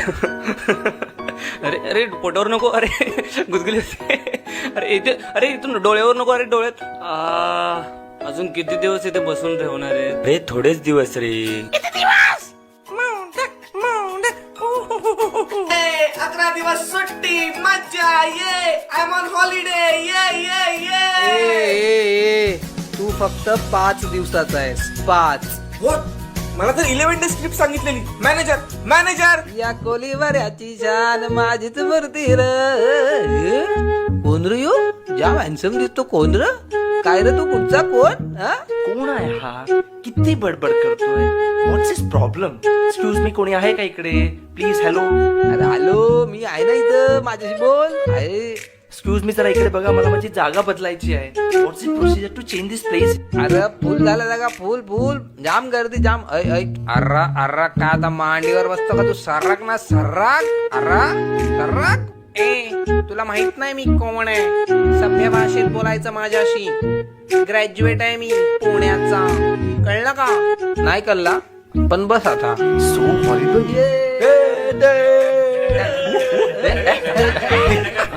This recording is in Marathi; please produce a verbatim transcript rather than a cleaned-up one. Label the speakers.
Speaker 1: अरे अरे पोटावर नको, अरे गुदगुली होते. अरे इथे, अरे इथून डोळ्यावर नको, अरे डोळ्यात. आ, अजून किती दिवस इथे बसून ठेवणार आहे रे? थोडेच दिवस रे.
Speaker 2: अकरा दिवस सुट्टी मज्जा ये. आय एम ऑन हॉलिडे ये ये ये.
Speaker 3: ए, ए, ए, तू फक्त पाच दिवसाचा आहेस, पाच.
Speaker 2: What? मला तर इलेव्हन डे स्क्रिप्ट सांगितलेली. मॅनेजर मॅनेजर
Speaker 3: या कोलीवाऱ्याची शान माझीच मूर्ती र. कोण रे यो? ज्या हॅन्सम दिसतो कोण र? काय रे तू कुठचा कोण? हा?
Speaker 4: कोण आहे हा? किती बडबड करतोय? What's is problem? Excuse me, कोणी आहे का इकडे? प्लीज. हॅलो.
Speaker 3: अरे हॅलो, मी आहे ना इथं, माझ्याशी बोल. आहे.
Speaker 4: एक्सक्यूज मी, जरा इकडे बघा, मला माझी जागा बदलायची आहे. What's is procedure to change this place?
Speaker 3: अरे फुल झाला जागा, फुल फुल जाम गर्दी जाम. ऐ ऐ अर्रा अर्रा का आता मांडीवर बसतो का तू? सर्राक ना सर्राक. अर्रा सर्राक. ए तुला माहित नाही मी कोण आहे? सभ्य भाषेत बोलायचं माझ्याशी. ग्रॅज्युएट आहे मी पुण्याचा. कळलं का? नाही कळला पण बस आता.
Speaker 4: So horrible.